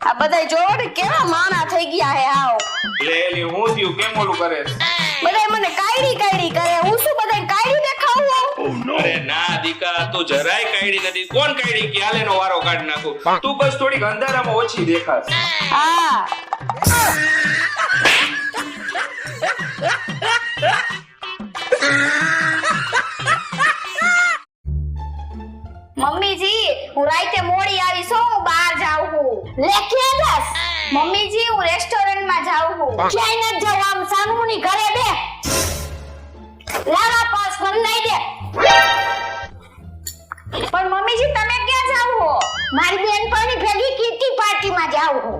આ બધાય જોવો ને કેવા માણા થઈ ગયા હે આવ. લે એલી હું થયું કેમ ઓલું કરે છે? બધાય મને કાયડી કરે. હું શું બધાય કાયડી દેખાવું? અરે ના દીકા તું જરાય કાયડી નથી. કોણ કાયડી કે હાલેનો વારો કાઢ નાખું. તું બસ થોડીક અંધારામાં ઓછી દેખાશ. હા. મમ્મીજી હું રાતે મોડી આવી છું, હું બહાર જાઉં છું. લે ક્યાં જાસ? મમ્મીજી હું રેસ્ટોરન્ટ માં જાઉં છું. ક્યાંય ન જાવ, આમ સાનુની ઘરે બે. લાવા પાસ મને લઈ દે. પણ મમ્મીજી તમે ક્યાં જાવ છો? મારી બેનપણી ભેગી કીટી પાર્ટી માં જાઉં છું.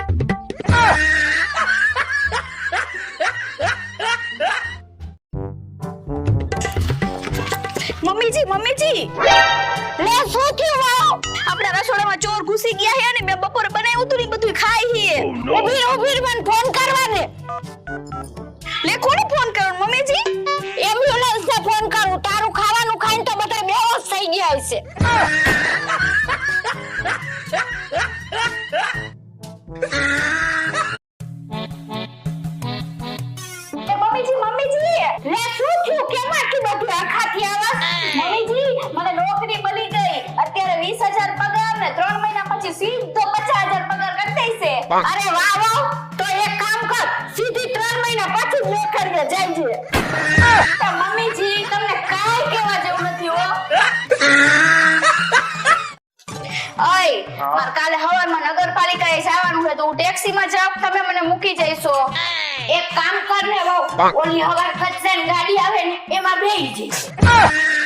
મમ્મીજી લે શું થયું વાવ? આપણા રસોડામાં ચોર ઘૂસી ગયા છે અને મેં બપોરે બનાવ્યું હતું ને બધું ખાઈ છે. ઉભી મને ફોન કરવા દે. લે કોને ફોન કરું મમ્મીજી? એમ્બ્યુલન્સ ને ફોન કરું. તારું ખાવાનું ખાઈને તો બધા બેહોશ થઈ ગયા હશે. મમ્મીજી લે શું થયું? કેમ આટલી બધી આખાથી આવાસ? મમ્મીજી મને નોકરી મળી ગઈ. અત્યારે 20,000 પગાર ને 3 મહિના પછી સીધો 50,000 પગાર કરી દેશે. અરે વાહ વાહ. તો એક કામ કર, સીધી 3 મહિના પછી નોકરીએ જઈજે. તો મમ્મીજી તમને કાઈ કહેવા જેવું નથી હો. ઓય માર કાલે હવારમાં નગરપાલિકાએ જવાનું છે તો હું ટેક્સીમાં જાઉં, તમે મને મૂકી જઈશો. એક કામ કર ને વહુ, ઓલી હવાર ખચન ગાડી આવે ને એમાં બેહી જઈશ.